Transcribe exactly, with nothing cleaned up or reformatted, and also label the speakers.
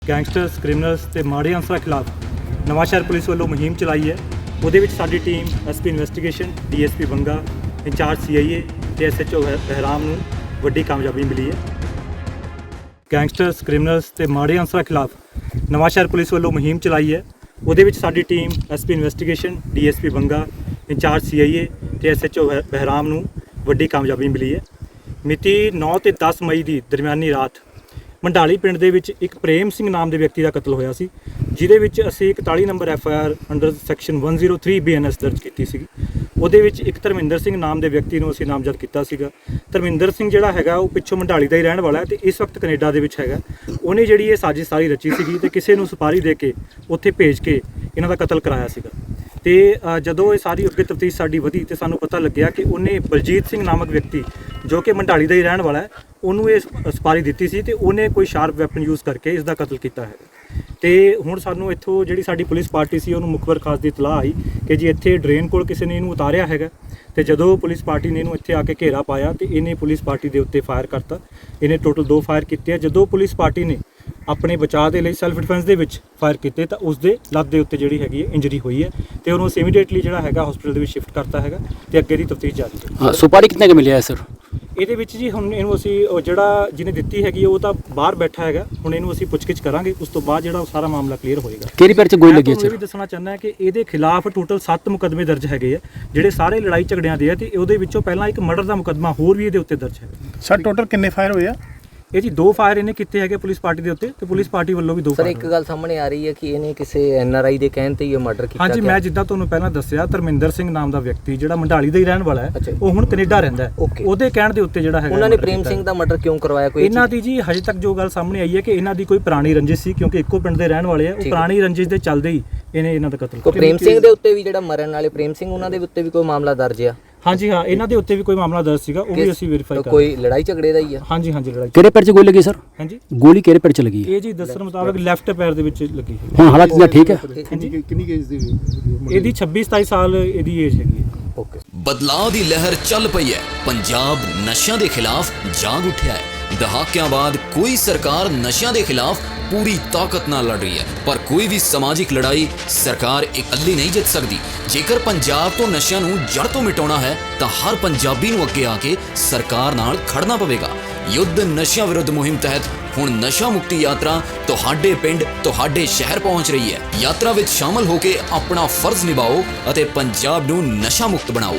Speaker 1: Gangsters criminals ਤੇ ਮਾੜੇ ਅਨਸਰਾਂ ਖਿਲਾਫ ਨਵਾਂਸ਼ਹਿਰ ਪੁਲਿਸ ਵੱਲੋਂ ਮੁਹਿੰਮ ਚਲਾਈ ਹੈ। ਉਹਦੇ ਵਿੱਚ ਸਾਡੀ team SP investigation, DSP Banga, incharge CIA ਤੇ ਐਸਐਚਓ ਬਹਿਰਾਮ ਨੂੰ ਵੱਡੀ ਕਾਮਯਾਬੀ ਮਿਲੀ ਹੈ। ਗੈਂਗਸਟਰਸ ਕ੍ਰਿਮੀਨਲਸ ਤੇ ਮਾੜੇ ਅਨਸਰਾਂ ਖਿਲਾਫ ਨਵਾਂਸ਼ਹਿਰ ਪੁਲਿਸ ਵੱਲੋਂ ਮੁਹਿੰਮ ਚਲਾਈ ਹੈ। ਉਹਦੇ ਵਿੱਚ ਸਾਡੀ team SP investigation, DSP Banga, incharge CIA ਤੇ ਐਸਐਚਓ ਬਹਿਰਾਮ ਨੂੰ ਵੱਡੀ ਕਾਮਯਾਬੀ ਮਿਲੀ ਹੈ। ਮਿਤੀ ਨੌ ਤੇ ਦਸ ਮਈ ਦੀ ਦਰਮਿਆਨੀ ਰਾਤ ਮੰਡਾਲੀ ਪਿੰਡ ਦੇ ਵਿੱਚ ਇੱਕ ਪ੍ਰੇਮ ਸਿੰਘ ਨਾਮ ਦੇ ਵਿਅਕਤੀ ਦਾ ਕਤਲ ਹੋਇਆ ਸੀ, ਜਿਹਦੇ ਵਿੱਚ ਅਸੀਂ ਇਕਤਾਲੀ number F I R under section ਇੱਕ ਜ਼ੀਰੋ ਤਿੰਨ ਬੀ ਐਨ ਐਸ ਦਰਜ ਕੀਤੀ ਸੀਗੀ। ਉਹਦੇ ਵਿੱਚ ਇੱਕ ਧਰਮਿੰਦਰ ਸਿੰਘ ਨਾਮ ਦੇ ਵਿਅਕਤੀ ਨੂੰ ਅਸੀਂ ਨਾਮਜ਼ਦ ਕੀਤਾ ਸੀਗਾ। ਧਰਮਿੰਦਰ ਸਿੰਘ ਜਿਹੜਾ ਹੈਗਾ ਉਹ ਪਿੱਛੋਂ ਮੰਡਾਲੀ ਦਾ ਹੀ ਰਹਿਣ ਵਾਲਾ ਹੈ ਤੇ ਇਸ ਵਕਤ ਕੈਨੇਡਾ ਦੇ ਵਿੱਚ ਹੈਗਾ। ਉਹਨੇ ਜਿਹੜੀ ਇਹ ਸਾਜ਼ਿਸ਼ ਸਾਰੀ ਰਚੀ ਸੀਗੀ ਤੇ ਕਿਸੇ ਨੂੰ ਸੁਪਾਰੀ ਦੇ ਕੇ ਉੱਥੇ ਭੇਜ ਕੇ ਇਹਨਾਂ ਦਾ ਕਤਲ ਕਰਾਇਆ ਸੀਗਾ। ਤੇ ਜਦੋਂ ਇਹ ਸਾਰੀ ਅੱਗੇ ਤਫਤੀਸ਼ ਸਾਡੀ ਵਧੀ ਤੇ ਸਾਨੂੰ ਪਤਾ ਲੱਗਿਆ ਕਿ ਉਹਨੇ ਬਲਜੀਤ ਸਿੰਘ ਨਾਮਕ ਵਿਅਕਤੀ ਜੋ ਕਿ ਮੰਡਾਲੀ ਦਾ ਹੀ ਰਹਿਣ ਵਾਲਾ ਹੈ, ਉਹਨੂੰ ਇਹ ਸੁਪਾਰੀ ਦਿੱਤੀ ਸੀ ਤੇ ਉਹਨੇ ਕੋਈ ਸ਼ਾਰਪ ਵੈਪਨ ਯੂਜ਼ ਕਰਕੇ ਇਸ ਦਾ ਕਤਲ ਕੀਤਾ ਹੈ। ਤੇ ਹੁਣ ਸਾਨੂੰ ਇੱਥੋਂ ਜਿਹੜੀ ਸਾਡੀ ਪੁਲਿਸ ਪਾਰਟੀ ਸੀ ਉਹਨੂੰ ਮੁਖਬਰ ਖਾਸ ਦੀ ਇਤਲਾਹ ਆਈ ਕਿ ਜੀ ਇੱਥੇ ਡਰੇਨ ਕੋਲ ਕਿਸੇ ਨੇ ਇਹਨੂੰ ਉਤਾਰਿਆ ਹੈਗਾ। ਤੇ ਜਦੋਂ ਪੁਲਿਸ ਪਾਰਟੀ ਨੇ ਇਹਨੂੰ ਇੱਥੇ ਆ ਕੇ ਘੇਰਾ ਪਾਇਆ ਤੇ ਇਹਨੇ ਪੁਲਿਸ ਪਾਰਟੀ ਦੇ ਉੱਤੇ ਫਾਇਰ ਕਰਤਾ। ਇਹਨੇ ਟੋਟਲ ਦੋ ਫਾਇਰ ਕੀਤੇ ਆ। ਜਦੋਂ ਪੁਲਿਸ ਪਾਰਟੀ ਨੇ ਆਪਣੇ ਬਚਾਅ ਦੇ ਲਈ ਸੈਲਫ ਡਿਫੈਂਸ ਦੇ ਵਿੱਚ ਫਾਇਰ ਕੀਤੇ ਤਾਂ ਉਸ ਦੇ ਲੱਤ ਦੇ ਉੱਤੇ ਜਿਹੜੀ ਹੈਗੀ ਹੈ ਇੰਜਰੀ ਹੋਈ ਹੈ ਤੇ ਉਹਨੂੰ ਅਸੀਂ ਇਮੀਡੀਏਟਲੀ ਜਿਹੜਾ ਹੈਗਾ ਹਸਪੀਟਲ ਦੇ ਵਿੱਚ ਸ਼ਿਫਟ ਕਰਤਾ ਹੈਗਾ ਤੇ ਅੱਗੇ ਦੀ ਤਫਤੀਸ਼ ਜਾਰੀ ਹੈ।
Speaker 2: ਹਾਂ, ਸੁਪਾਰੀ ਕਿੰਨੇ ਕੁ ਮਿਲਿਆ ਹੈ ਸਰ?
Speaker 1: ਇਹਦੇ ਵਿੱਚ ਜੀ ਹੁਣ ਇਹਨੂੰ ਅਸੀਂ ਉਹ ਜਿਹੜਾ ਜਿਹਨੇ ਦਿੱਤੀ ਹੈਗੀ ਉਹ ਤਾਂ ਬਾਹਰ ਬੈਠਾ ਹੈਗਾ। ਹੁਣ ਇਹਨੂੰ ਅਸੀਂ ਪੁੱਛਗਿੱਛ ਕਰਾਂਗੇ, ਉਸ ਤੋਂ ਬਾਅਦ ਜਿਹੜਾ ਸਾਰਾ ਮਾਮਲਾ ਕਲੀਅਰ ਹੋਏਗਾ।
Speaker 2: ਕਿਹੜੀ ਪੈਰ 'ਚ ਗੋਲੀ ਲੱਗੀ ਹੈ
Speaker 1: ਸਰ? ਮੈਂ ਵੀ ਦੱਸਣਾ ਚਾਹੁੰਦਾ ਕਿ ਇਹਦੇ ਖਿਲਾਫ ਟੋਟਲ ਸੱਤ ਮੁਕੱਦਮੇ ਦਰਜ ਹੈਗੇ ਆ, ਜਿਹੜੇ ਸਾਰੇ ਲੜਾਈ ਝਗੜਿਆਂ ਦੇ ਆ ਤੇ ਉਹਦੇ ਵਿੱਚੋਂ ਪਹਿਲਾਂ ਇੱਕ ਮਰਡਰ ਦਾ ਮੁਕੱਦਮਾ ਹੋਰ ਵੀ ਇਹਦੇ ਉੱਤੇ ਦਰਜ ਹੈ।
Speaker 3: ਸਰ ਟੋਟਲ ਕਿੰਨੇ ਫਾਇਰ ਹੋਏ ਆ?
Speaker 1: ਇਹ ਜੀ ਦੋ ਫਾਇਰ ਇਹਨੇ ਕੀਤੇ ਹੈਗੇ ਪੁਲਿਸ ਪਾਰਟੀ ਦੇ ਉੱਤੇ ਤੇ ਪੁਲਿਸ ਪਾਰਟੀ ਵੱਲੋਂ ਵੀ ਦੋ
Speaker 4: ਸਰ ਇੱਕ ਗੱਲ ਸਾਹਮਣੇ ਆ ਰਹੀ ਹੈ ਕਿ ਇਹਨੇ ਕਿਸੇ ਐਨ ਆਰ ਆਈ ਦੇ ਕਹਿਣ ਤੇ ਹੀ ਇਹ ਮਰਡਰ ਕੀਤਾ।
Speaker 1: ਹਾਂਜੀ, ਮੈਂ ਜਿੱਦਾਂ ਤੁਹਾਨੂੰ ਪਹਿਲਾਂ ਦੱਸਿਆ ਧਰਮਿੰਦਰ ਸਿੰਘ ਨਾਮ ਦਾ ਵਿਅਕਤੀ ਜਿਹੜਾ ਮੰਡਾਲੀ ਦਾ ਹੀ ਰਹਿਣ ਵਾਲਾ ਹੈ, ਉਹ ਹੁਣ ਕੈਨੇਡਾ ਰਹਿੰਦਾ ਹੈ। ਉਹਦੇ ਕਹਿਣ ਦੇ ਉੱਤੇ ਜਿਹੜਾ ਹੈਗਾ
Speaker 4: ਉਹਨਾਂ ਨੇ ਪ੍ਰੇਮ ਸਿੰਘ ਦਾ ਮਰਡਰ ਕਿਉਂ ਕਰਵਾਇਆ? ਕੋਈ
Speaker 1: ਇਹਨਾਂ ਦੀ ਜੀ ਹਜੇ ਤੱਕ ਜੋ ਗੱਲ ਸਾਹਮਣੇ ਆਈ ਹੈ ਕਿ ਇਹਨਾਂ ਦੀ ਕੋਈ ਪੁਰਾਣੀ ਰੰਜਿਸ਼ ਸੀ, ਕਿਉਂਕਿ ਇੱਕੋ ਪਿੰਡ ਦੇ ਰਹਿਣ ਵਾਲੇ ਆ। ਉਹ ਪੁਰਾਣੀ ਰੰਜਿਸ਼ ਦੇ ਚੱਲਦੇ ਹੀ ਇਹਨੇ ਇਹਨਾਂ ਦਾ ਕਤਲ ਕੀਤਾ।
Speaker 4: ਪ੍ਰੇਮ ਸਿੰਘ ਦੇ ਉੱਤੇ ਵੀ ਜਿਹੜਾ ਮਰਨ ਵਾਲੇ ਪ੍ਰੇਮ ਸਿੰਘ ਉਹਨਾਂ ਦੇ ਉੱਤੇ ਵੀ ਕੋਈ ਮਾਮਲਾ ਦਰਜ ਆ?
Speaker 1: ਹਾਂਜੀ ਹਾਂ, ਇਹਨਾਂ ਦੇ ਉੱਤੇ ਵੀ ਕੋਈ ਮਾਮਲਾ ਦਰਜ ਸੀਗਾ, ਉਹ ਵੀ ਅਸੀਂ ਵੈਰੀਫਾਈ ਕਰ ਰਹੇ ਹਾਂ।
Speaker 4: ਕੋਈ ਲੜਾਈ ਝਗੜੇ ਦਾ ਹੀ ਆ?
Speaker 1: ਹਾਂਜੀ ਹਾਂਜੀ, ਲੜਾਈ।
Speaker 2: ਕਿਹੜੇ ਪੈਰ 'ਚ ਗੋਲੀ ਲੱਗੀ ਸਰ?
Speaker 1: ਹਾਂਜੀ,
Speaker 2: ਗੋਲੀ ਕਿਹੜੇ ਪੈਰ 'ਚ ਲੱਗੀ ਹੈ?
Speaker 1: ਇਹ ਜੀ ਦੱਸਣ ਮੁਤਾਬਕ ਲੈਫਟ ਪੈਰ ਦੇ ਵਿੱਚ ਲੱਗੀ ਹੈ।
Speaker 2: ਹੁਣ ਹਾਲਾਤ ਇਹਦਾ ਠੀਕ ਹੈ?
Speaker 1: ਹਾਂਜੀ,
Speaker 3: ਕਿੰਨੀ ਏਜ ਦੀ?
Speaker 1: ਇਹਦੀ ਛੱਬੀ ਸਤਾਈ ਸਾਲ ਇਹਦੀ ਏਜ ਹੈਗੀ ਹੈ।
Speaker 4: ਓਕੇ।
Speaker 5: ਬਦਲਾਅ ਦੀ ਲਹਿਰ ਚੱਲ ਪਈ ਹੈ। ਪੰਜਾਬ ਨਸ਼ਿਆਂ ਦੇ ਖਿਲਾਫ ਜਾਗ ਉੱਠਿਆ ਹੈ। ਦਹਾਕਿਆਂ ਬਾਅਦ ਕੋਈ ਸਰਕਾਰ ਨਸ਼ਿਆਂ ਦੇ ਖਿਲਾਫ ਪੂਰੀ ਤਾਕਤ ਨਾਲ ਲੜ ਰਹੀ ਹੈ, ਪਰ ਕੋਈ ਵੀ ਸਮਾਜਿਕ ਲੜਾਈ ਸਰਕਾਰ ਇਕੱਲੀ ਨਹੀਂ ਜਿੱਤ ਸਕਦੀ। ਜੇਕਰ ਪੰਜਾਬ ਤੋਂ ਨਸ਼ਿਆਂ ਨੂੰ ਜੜ ਤੋਂ ਮਿਟਾਉਣਾ ਹੈ ਤਾਂ ਹਰ ਪੰਜਾਬੀ ਨੂੰ ਅੱਗੇ ਆ ਕੇ ਸਰਕਾਰ ਨਾਲ ਖੜਨਾ ਪਵੇਗਾ। ਯੁੱਧ ਨਸ਼ਿਆਂ ਵਿਰੁੱਧ ਮੁਹਿੰਮ ਤਹਿਤ ਹੁਣ ਨਸ਼ਾ ਮੁਕਤੀ ਯਾਤਰਾ ਤੁਹਾਡੇ ਪਿੰਡ, ਤੁਹਾਡੇ ਸ਼ਹਿਰ ਪਹੁੰਚ ਰਹੀ ਹੈ। ਯਾਤਰਾ ਵਿੱਚ ਸ਼ਾਮਲ ਹੋ ਕੇ ਆਪਣਾ ਫਰਜ਼ ਨਿਭਾਓ ਅਤੇ ਪੰਜਾਬ ਨੂੰ ਨਸ਼ਾ ਮੁਕਤ ਬਣਾਓ।